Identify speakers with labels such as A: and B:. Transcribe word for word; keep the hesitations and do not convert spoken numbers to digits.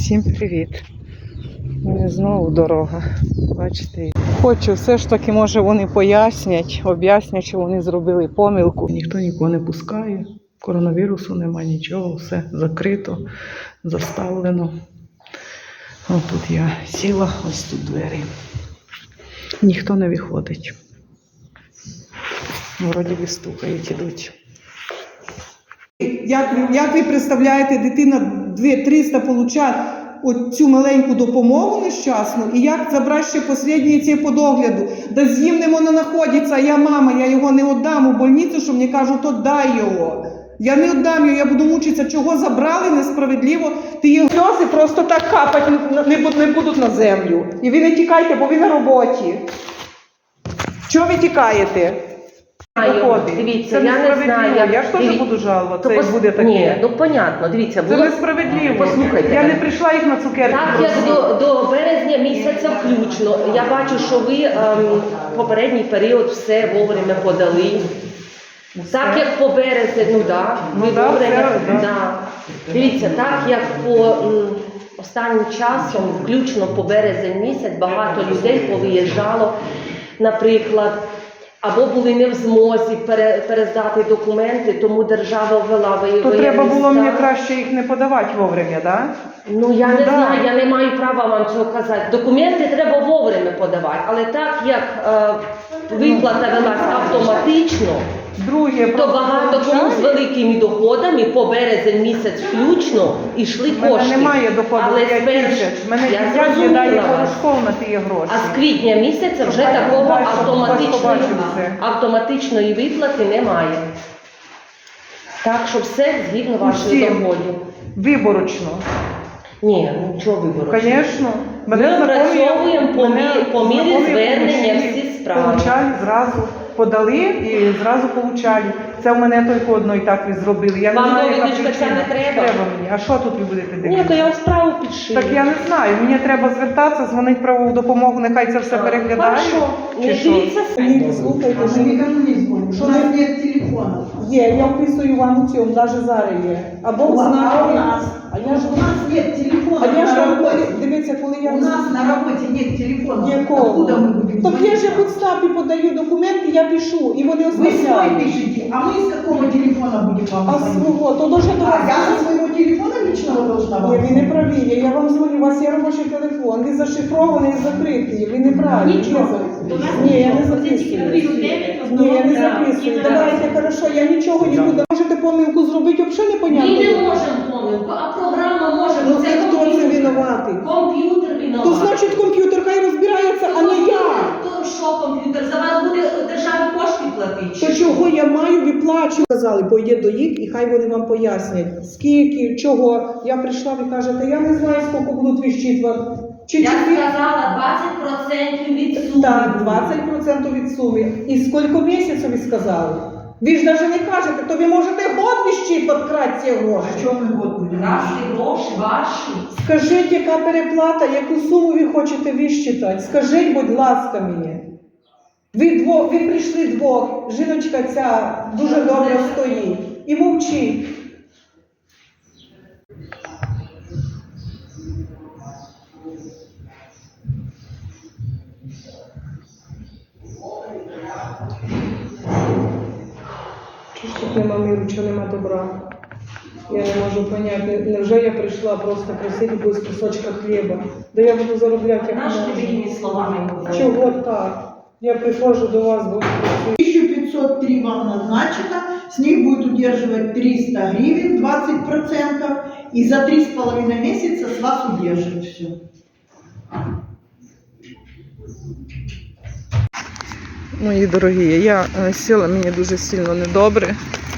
A: Всім привіт! У мене знову дорога. Бачите? Хочу все ж таки, може вони пояснять, об'яснять, що вони зробили помилку. Ніхто нікого не пускає, коронавірусу немає, нічого, все закрито, заставлено. Ось тут я сіла, ось тут двері. Ніхто не виходить. Вроді би стукають, ідуть.
B: Як ви, як ви представляєте, дитина дві-триста получає цю маленьку допомогу нещасну, і як забрати ще останнє це по догляду? Да з ним не воно знаходиться, а я мама, я його не віддам у больницю, що мені кажуть, то дай його. Я не віддам його, я буду мучитися, чого забрали несправедливо. Ти його сльози просто так капати не будуть на землю. І ви не тікайте, бо ви на роботі. Чого ви тікаєте?
A: Дивіться, це я не знаю. Я, я ж теж буду жалуватися, як буде таке.
C: Ні, ну понятно, дивіться.
A: Було... Це несправедливо.
C: Послухайте.
A: Я не прийшла їх на цукерки.
C: Так, як до, до березня місяця включно. Я бачу, що ви ем, попередній період все вовремя подали. Все. Так, як по березні, ну да,
A: ну
C: ви
A: да,
C: вовремя,
A: все, да.
C: Да. Дивіться, так, як по м, останнім часом, включно по березень місяць, багато людей повиїжджало, наприклад, або були не в змозі пере, перездати документи, тому держава ввела воєнний стан.
A: То треба було мені краще їх не подавати вовремя, так? Да?
C: Ну я
A: ну,
C: не
A: да.
C: знаю, я не маю права вам цього казати. Документи треба вовремя подавати, але так як е, виплата велась автоматично,
A: Друге,
C: то багато кому з великими доходами по березень місяць включно йшли кошти.
A: У мене немає доходу,
C: але
A: я
C: перш...
A: мене
C: я
A: дядя дає порошков на ті гроші.
C: А з квітня місяця вже
A: Хай
C: такого
A: далі,
C: автоматичної, автоматичної виплати немає. Так що все згідно вашої доходів.
A: Виборочно.
C: Ні, нічого виборочно.
A: Звісно.
C: Ми опрацьовуємо по, мі... по мірі звернення всі справи.
A: Получали зразу, подали і зразу получали. Це в мене тільки одно і так ви зробили. Я
C: Вам
A: не знаю, яка
C: довідочка ця не треба?
A: Треба мені. А що тут ви будете дивитися?
C: Ні, то я справу підшию.
A: Так я не знаю. Мені треба звертатися, дзвонити правову допомогу, нехай це все переглядає.
C: Хорошо.
A: Чи що?
B: Ні, слухайте, що нікому не дзвонить. Що у нас є телефону? Є, я вписую вам у цьому, навіть зараз є. Або в знаку.
D: А у нас?
B: А я ж
D: у нас нет телефона.
B: А я ж
D: на
B: вам
D: работе.
B: дивіться, коли я...
D: У нас на роботі нет телефона.
B: Якого?
D: Откуда мы будем
B: Так я
D: звонить?
B: же в стапі подаю документи, я пишу, і вони
D: Вы свой
B: оставляють.
D: пишите, а мы с какого телефона будем вам
B: А
D: звонить?
B: свого, то дуже до
D: А
B: вас...
D: я со своего телефона личного должна вам
B: Ні, ви не
D: звонить?
B: праві, я вам дзвоню, у вас є робочий телефон, він зашифрований і закритий, ви не праві.
D: Нічого.
B: Ні, я не записую. Ні, я не записую. Давайте, хорошо, я нічого не буду. Можете помилку зробити, взагалі непонятно.
C: Ми не можемо помилку, а програма може,
B: Ну
C: бо
B: це
C: це
B: хто це
C: комп'ютер.
B: винуватий?
C: Комп'ютер
B: То
C: винуватий.
B: значить комп'ютер хай розбирається, а не я.
C: То що комп'ютер? За вас буде державі кошти платити?
B: То чого я маю виплачувати? Сказали, пойде до їх і хай вони вам пояснять, скільки, чого. Я прийшла, ви кажете, я не знаю, скільки будуть вищитувати. Чи
C: Я
B: чотири?
C: сказала двадцять відсотків від суми.
B: Так, двадцять відсотків від суми. І скільки місяців ви сказали? Ви ж навіть не кажете, то ви можете год вищитувати крати ці гроші.
D: А что мы год будем?
C: Наші гроші, ваші.
B: Скажіть, яка переплата, яку суму ви хочете вищитати? Скажіть, будь ласка, мені. Ви, двох, ви прийшли двох, жіночка ця дуже добре стоїть. І мовчить. Чого ж тут нема миру, чого нема добра? Я не можу поняти, невже я прийшла просто просити якогось кусочка хліба? Да я буду заробляти як
C: Наші
B: можу.
C: вільні словами говорять.
B: Чого так? Я приходжу до вас, бо
D: тысяча пятьсот три вам назначено, с них будет удерживать триста гривен, двадцать процентов, и за три с половиной месяца с вас удержит все.
A: Мої дорогі, я сіла, мені дуже сильно недобре.